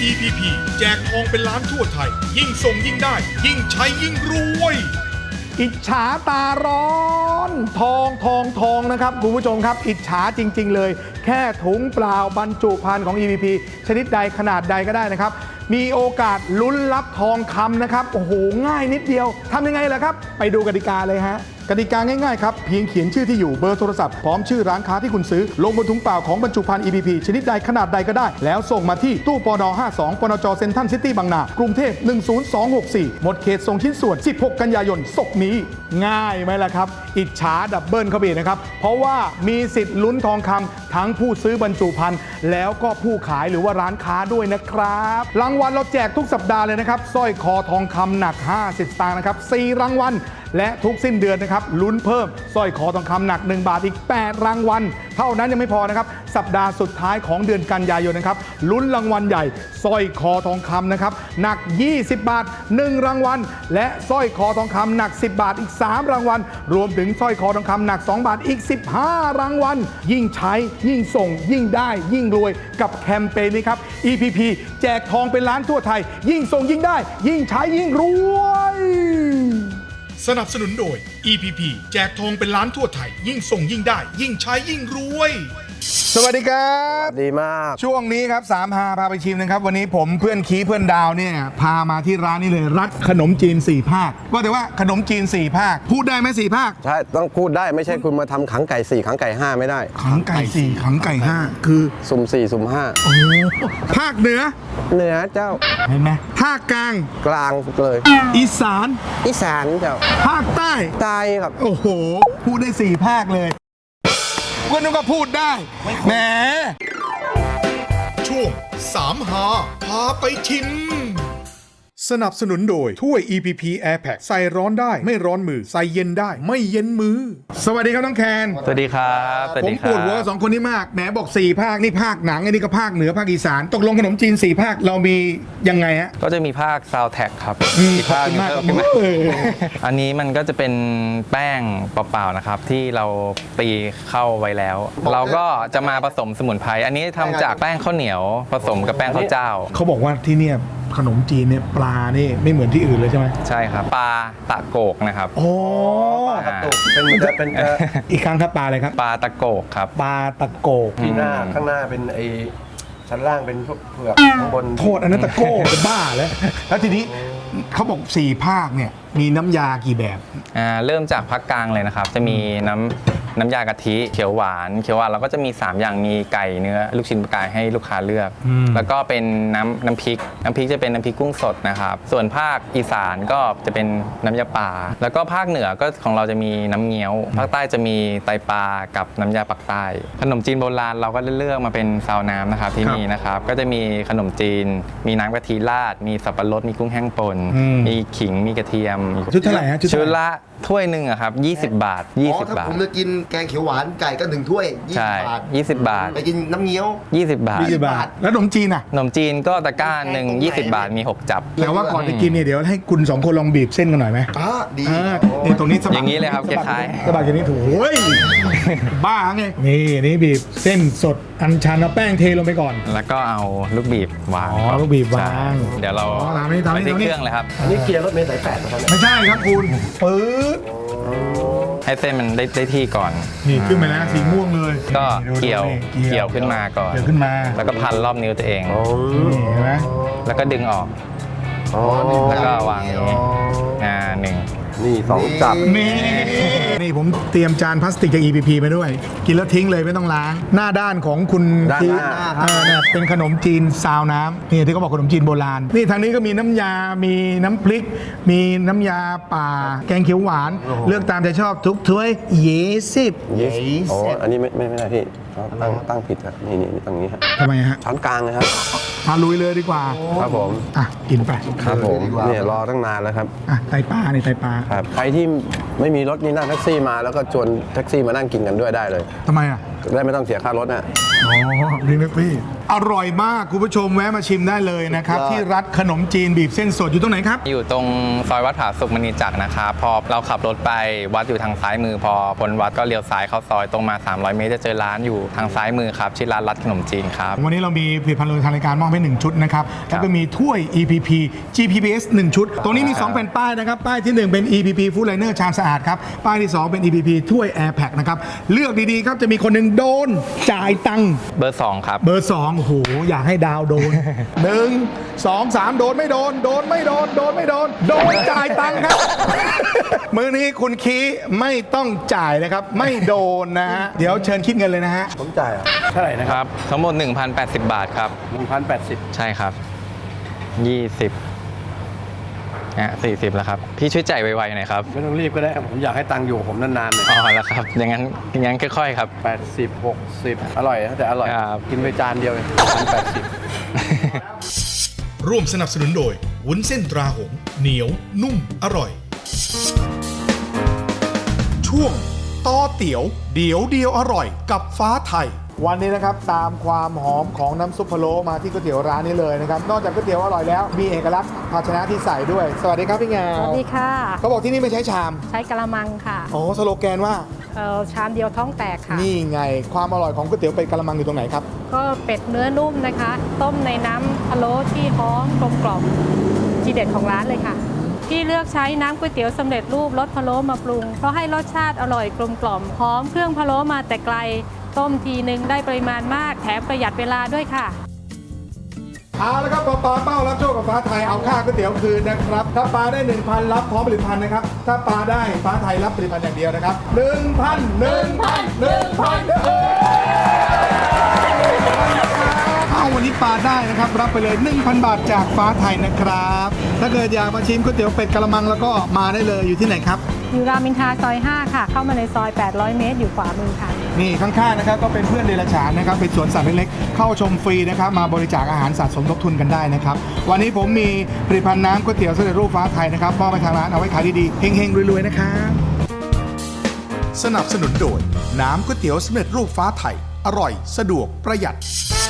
EPP แจกทองเป็นล้านทั่วไทยยิ่งส่งยิ่งได้ยิ่งใช้ยิ่งรวยอิจฉาตาร้อนทองนะครับคุณผู้ชมครับอิจฉาจริงๆเลยแค่ถุงเปล่าบรรจุภัณฑ์ของ EPP ชนิดใดขนาดใดก็ได้นะครับมีโอกาสลุ้นรับทองคำนะครับโอ้โหง่ายนิดเดียวทำยังไงล่ะครับไปดูกติกาเลยฮะกติกาง่ายๆครับเพียงเขียนชื่อที่อยู่เบอร์โทรศัพท์พร้อมชื่อร้านค้าที่คุณซื้อลงบนถุงเปล่าของบรรจุภัณฑ์ EPP ชนิดใดขนาดใดก็ได้แล้วส่งมาที่ตู้ปน52ปนจเซ็นทรัลซิตี้บางนากรุงเทพ10264หมดเขตส่งชิ้นส่วน16กันยายนศกนี้ง่ายไหมล่ะครับอิจฉาดับเบิลเข้าไปอีกนะครับเพราะว่ามีสิทธิ์ลุ้นทองคำทั้งผู้ซื้อบรรจุภัณฑ์แล้วก็ผู้ขายหรือว่าร้านค้าด้วยนะครับรางวัลเราแจกทุกสัปดาห์เลยนะครับสร้อยคอทองคำหนัก50สตางค์นะครับ4รางวัลและทุกสิ้นเดือนนะครับลุ้นเพิ่มสร้อยคอทองคำหนัก1บาทอีก8รางวัลเท่านั้นยังไม่พอนะครับสัปดาห์สุดท้ายของเดือนกันยายนนะครับลุ้นรางวัลใหญ่สร้อยคอทองคำนะครับหนัก20บาท1รางวัลและสร้อยคอทองคำหนัก10บาทอีก3รางวัลรวมถึงสร้อยคอทองคำหนัก2บาทอีก15รางวัลยิ่งใช้ยิ่งส่งยิ่งได้ยิ่งรวยกับแคมเปญนี้ครับ EPP แจกทองเป็นล้านทั่วไทยยิ่งส่งยิ่งได้ยิ่งใช้ยิ่งรวยสนับสนุนโดย EPP แจกทองเป็นล้านทั่วไทยยิ่งส่งยิ่งได้ยิ่งใช้ยิ่งรวยสวัสดีครับดีมากช่วงนี้ครับ3 พาไปชิมนะครับวันนี้ผมเพื่อนคีเพื่อนดาวเนี่ยพามาที่ร้านนี้เลยรัฐขนมจีน4ภาคว่าแต่ว่าขนมจีน4ภาคพูดได้ไหม4ภาคใช่ต้องพูดได้ไม่ใช่คุณมาทำขังไก่4ขังไก่5ไม่ได้ขังไก่4ขังไก่5คือสุ่ม4สุ่ม5 โอ้ภาคเหนือเจ้าเห็นไหมภาคกลางเลยอีสานเจ้าภาคใต้ครับโอ้โหพูดได้4ภาคเลยก็นึกว่าพูดได้แหมช่วง3หาพาไปชิมสนับสนุนโดยถ้วย EPP Air Pack ใส่ร้อนได้ไม่ร้อนมือใส่เย็นได้ไม่เย็นมือสวัสดีครับน้องแคนสวัสดีครับผมปวดหัวสองคนนี้มากแหมบอก4ภาคนี่ภาคหนังอันนี้ก็ภาคเหนือภาคอีสานตกลงขนมจีน4ภาคเรามียังไงฮะก็จะมีภาคซาวแท็กครับอีกภาคนึงเพิ่มขึ้นมาอันนี้มันก็จะเป็นแป้งเปล่าๆนะครับที่เราตีเข้าไว้แล้วเราก็จะมาผสมสมุนไพรอันนี้ทำจากแป้งข้าวเหนียวผสมกับแป้งข้าวเจ้าเขาบอกว่าที่เนี่ยขนมจีนเนี่ยปลานี่ไม่เหมือนที่อื่นเลยใช่ไหมใช่ครับปลาตะโกกนะครับโอ้ปลาตะโกกเป็นอีกครั้งครับปลาอะไรครับปลาตะโกกครับปลาตะโกกที่หน้าข้างหน้าเป็นไอชั้นล่างเป็นพวกเผือกข้างบนโทษอันนั้นตะโกกจะบ้าแล้วทีนี้เขาบอก4ภาคเนี่ยมีน้ำยากี่แบบเริ่มจากภาคกลางเลยนะครับจะมีน้ำยากะทิเขียวหวานเราก็จะมี3อย่างมีไก่เนื้อลูกชิ้นปลากายให้ลูกค้าเลือกแล้วก็เป็นน้ำพริกจะเป็นน้ำพริกกุ้งสดนะครับส่วนภาคอีสานก็จะเป็นน้ำยาป่าแล้วก็ภาคเหนือก็ของเราจะมีน้ำเงี้ยวภาคใต้จะมีไตปลากับน้ำยาปักใต้ขนมจีนโบราณเราก็เลือกมาเป็นซาวน้ำนะครับที่นี่นะครับก็จะมีขนมจีนมีน้ำกะทิราดมีสับปะรดมีกุ้งแห้งป่นมีขิงมีกระเทียมชุดเท่าไหร่ฮะชุดละถ้วยหนึ่งครับ20 บาท20 บาทผมจะกินแกงเขียวหวานไก่ก็1ถ้วย20 บาท 20 บาทไปกินน้ำเงี้ยว 20 บาทแล้วขนมจีนอ่ะขนมจีนก็ตะกร้าหนึ่ง20 บาทมี6จับแต่ว่าก่อนจะกินเนี่ยเดี๋ยวให้คุณ2คนลองบีบเส้นกันหน่อยไหมดีนี่ตรงนี้สบายอย่างนี้เลยครับคล้ายๆสบายอย่างนี้ถูกบ้าไงนี่บีบเส้นสดอัญชันเอาแป้งเทลงไปก่อนแล้วก็เอาลูกบีบวางลูกบีบวางเดี๋ยวเราไปที่เครื่องเลยครับอันนี้เกียร์รถเมล์สาย8นะครับไม่ใช่ครับคุณปื๊ดให้เส้นมันได้ที่ก่อนนี่ขึ้นมาแล้วสีม่วงเลยก็เกี่ยวขึ้นมาก่อนเกี่ยวขึ้นมาแล้วก็พันรอบนิ้วตัวเองเห็นไหมแล้วก็ดึงออกแล้วก็วางนี้นี่2จับนี่ผมเตรียมจานพลาสติกจาก EPP ไปด้วยกินแล้วทิ้งเลยไม่ต้องล้างหน้าด้านของคุณที่เนี่ยเป็นขนมจีนซาวน้ำนี่ที่เขาบอกขนมจีนโบราณนี่ทางนี้ก็มีน้ำยามีน้ำพริกมีน้ำยาป่าแกงเขียวหวานเลือกตามใจชอบทุกถ้วยอ๋ออันนี้ไม่ได้พี่ตั้งผิดครับนี่ตรงนี้ครับทำไมฮะช้อนกลางเลยครับมาลุยเลยดีกว่าครับผมกินไปครับผมเนี่ยรอตั้งนานแล้วครับไตปลานี่ไตปลาครับใครที่ไม่มีรถนี่นั่งแท็กซี่มาแล้วก็ชวนแท็กซี่มานั่งกินกันด้วยได้เลยทำไมอ่ะได้ไม่ต้องเสียค่ารถนะอ๋อดีไหมพี่อร่อยมากคุณผู้ชมแวะมาชิมได้เลยนะครับ ที่ร้านขนมจีนบีบเส้นสดอยู่ตรงไหนครับอยู่ตรงซอยวัดผาสุกมณีจักรนะครับพอเราขับรถไปวัดอยู่ทางซ้ายมือ พอพ้นวัดก็เลี้ยวซ้ายเข้าซอยตรงมา 300 เมตรจะเจอร้านอยู่ทางซ้ายมือครับชื่อร้านรัดขนมจีนครับวันนี้เรามีผลิตภัณฑ์เลยทางรายการมอบให้1ชุดนะครับแล้วก็มีถ้วย EPP GPPS 1 ชุด ตรงนี้มี 2 แผ่นป้ายนะครับ ป้ายที่ 1 เป็น EPP Food Liner ชามสะอาดครับ ป้ายที่ 2 เป็น EPP ถ้วย Air Pack นะครับ เลือกดีๆครับ จะมีคนหนึ่งโดนจ่ายตังค์เบอร์ 2 ครับเบอร์ 2 โอ้โห อยากให้ดาวโดน 1 2 3 โดนไม่โดน โดนไม่โดน โดนไม่โดน โดนจ่ายตังค์ครับ มือนี้คุณคีไม่ต้องจ่ายนะครับ ไม่โดนนะฮะ เดี๋ยวเชิญคิดเงินเลยนะฮะผมจ่ายอ่ะเท่าไหร่นะครับ ทั้งหมด 1,080 บาทครับ 1,080 ใช่ครับ 2040 แล้วครับ พี่ช่วยจ่ายไวๆหน่อยครับไม่ต้องรีบก็ได้ ผมอยากให้ตังค์อยู่ผมนานๆเลยอ๋อแล้วครับ อย่างนั้นค่อยๆครับ 80 60 อร่อยนะแต่อร่อยครับกินไปจานเดียวเลย1,080 ร่วมสนับสนุนโดยวุ้นเส้นตราหงส์เหนียว นุ่ม อร่อย ช่วงต่อเตี๋ยว เดี๋ยวเดียวอร่อยกับฟ้าไทยวันนี้นะครับตามความหอมของน้ำซุปพะโล้มาที่ก๋วยเตี๋ยวร้านนี้เลยนะครับนอกจากก๋วยเตี๋ยวอร่อยแล้วมีเอกลักษณ์ภาชนะที่ใส่ด้วย สวัสดีครับพี่งาสวัสดีค่ะเขาบอกที่นี่ไม่ใช้ชามใช้กระมังค่ะอ๋อสโลแกนว่าชามเดียวท้องแตกค่ะนี่ไงความอร่อยของก๋วยเตี๋ยวเป็ดกะละมังอยู่ตรงไหนครับก็เป็ดเนื้อนุ่มนะคะ ต้มในน้ำพะโล้ที่หอมกลมกล่อมทีเด็ดของร้านเลยค่ะที่เลือกใช้น้ำก๋วยเตี๋ยวสำเร็จรูปรสพะโล้มาปรุงเพราะให้รสชาติอร่อยกลมกล่อมหอมเครื่องพะโล้มาแต่ไกลต้มทีนึงได้ปริมาณมากแถมประหยัดเวลาด้วยค่ะเอาละครับปลาเป้ารับโชคกับฟ้าไทยเอาค่าก๋วยเตี๋ยวคืนนะครับถ้าปลาได้ 1,000 รับพร้อมผลิตภัณฑ์นะครับถ้าปลาได้ฟ้าไทยรับผลิตภัณฑ์อย่างเดียวนะครับ เอาวันนี้ปลาได้นะครับรับไปเลย 1,000 บาทจากฟ้าไทยนะครับถ้าเกิดอยากมาชิมก๋วยเตี๋ยวเป็ดกะละมังแล้วก็มาได้เลยอยู่ที่ไหนครับอยู่รามอินทราซอย 5 ค่ะ เข้ามาในซอย 800 เมตร อยู่ขวามือค่ะนี่ข้างๆนะครับก็เป็นเพื่อนเดรัจฉานนะครับเป็นสวนสัตว์เล็กๆเข้าชมฟรีนะครับมาบริจาคอาหารสัตว์สมทบทุนกันได้นะครับวันนี้ผมมีผลิตภัณฑ์น้ำก๋วยเตี๋ยวสำเร็จรูปฟ้าไทยนะครับมอบไปทางร้านเอาไว้ขายดีๆเฮงๆรวยๆนะครับสนับสนุนโดยน้ำก๋วยเตี๋ยวสำเร็จรูปฟ้าไทย อร่อย สะดวก ประหยัด